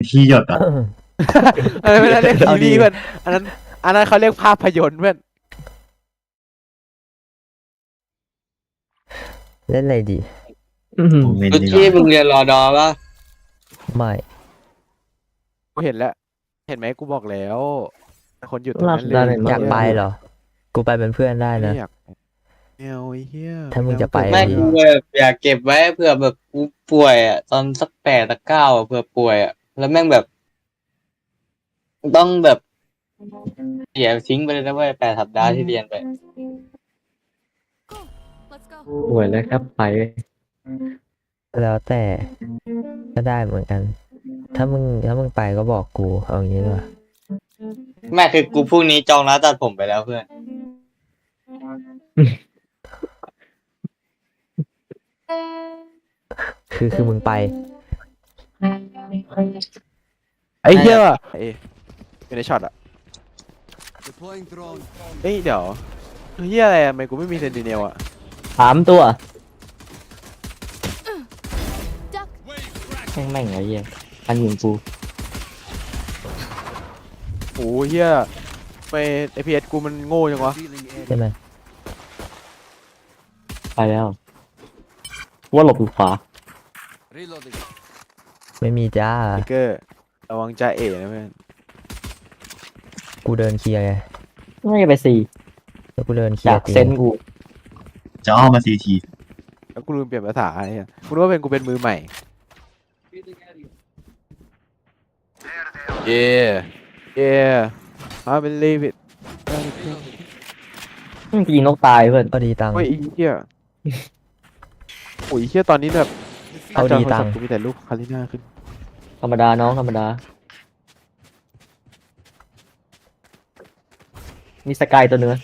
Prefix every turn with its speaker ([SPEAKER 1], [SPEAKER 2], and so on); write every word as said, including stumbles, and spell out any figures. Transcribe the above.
[SPEAKER 1] ที่หยดอ่ะ
[SPEAKER 2] อันนั้นไม่ได้เรียกทีวีเพื่อนอันนั้นอันนั้นเขาเรียกภาพยนตร์เพื่อน
[SPEAKER 3] เล่นอะไรดี
[SPEAKER 1] ผมเล่น
[SPEAKER 4] ตุ๊
[SPEAKER 1] ดีก
[SPEAKER 4] กี้
[SPEAKER 1] ว่า
[SPEAKER 4] มึงเรียนรอดอปะ
[SPEAKER 3] ไม่
[SPEAKER 2] กูเห็นแล้วเห็นไหมกูบอกแล้วคนหยุดตรงนั้นเล
[SPEAKER 5] ลาบได้
[SPEAKER 2] ย
[SPEAKER 5] ไหม
[SPEAKER 3] อยากไปเหรอ กูไปเป็นเพื่อนได้
[SPEAKER 2] ไม่
[SPEAKER 3] นะ
[SPEAKER 2] อยากแมวไอ้เหี้ย
[SPEAKER 3] ถ้ามึงจะไป
[SPEAKER 4] แม่กูแบบอยากเก็บไว้เผื่อแบบกูป่วยอ่ะตอนสักแปดสักเก้าอ่ะเผื่อป่วยอ่ะแล้วแม่งแบบ ต้องแบบเสียทิ้งไปเลยนะเว้ยแปดสัปดาห์ที่เรียนไป
[SPEAKER 6] Let's go.
[SPEAKER 5] ป่วยแล้วครับไป
[SPEAKER 3] แล้วแต่ก็ได้เหมือนกัน ถ้ามึงถ้ามึงไปก็บอกกูเอาอย่างนี้ดีกว่า
[SPEAKER 4] แม่คือกูพรุ่งนี้จองร้านตัดผมไปแล้วเพื่อน
[SPEAKER 3] คือคือมึงไป
[SPEAKER 2] ไอ้เหี้ยไอ้อยู่ในช็อตอ่ะเฮ้ยเดี๋ยวเหี้ยอะไรอะทำไมกูไม่มีเซนติเนลอ่ะ
[SPEAKER 5] สามตัว
[SPEAKER 6] Duck.
[SPEAKER 5] แม่งแม่งไอ้เหี้ยอันยิงกู
[SPEAKER 2] โอ้เหี้ยไปไอพีเอสกูมันโง่จังวะ
[SPEAKER 3] ใช่ไหม
[SPEAKER 5] ไปแล้วว่าหลบอยู่ขวา
[SPEAKER 3] ไม่มีจ้า
[SPEAKER 2] ไอเกอร์ระวังจ่าเอ๋นะเพื่อน
[SPEAKER 3] กูเดินเคลียร์ไง
[SPEAKER 5] ไม่ไปสี่
[SPEAKER 3] แล้วกูเดินเคลีย
[SPEAKER 5] จา
[SPEAKER 3] ร์
[SPEAKER 5] ก
[SPEAKER 3] ตี
[SPEAKER 5] เซนกู
[SPEAKER 1] จะอ้อมมาซีที
[SPEAKER 2] แล้วกูลืมเปลี่ยนภาษาอะไรเนี่ยกูรู้ว่าเป็นกูเป็นมือใหม่เย่เย่ I believe it
[SPEAKER 5] มึงยิงนกตายเพื่อน
[SPEAKER 3] เอาดีตังค์
[SPEAKER 2] โอ้ยไอ้เหี้ยโอ้ยไอ้เหี้ยตอนนี้แบบ
[SPEAKER 3] เอาดีตังค์
[SPEAKER 2] กูมีแต่รูปคาริน่าขึ้น
[SPEAKER 5] ธรรมดาน้องธรรมดา มีสกายตัวเนื้อ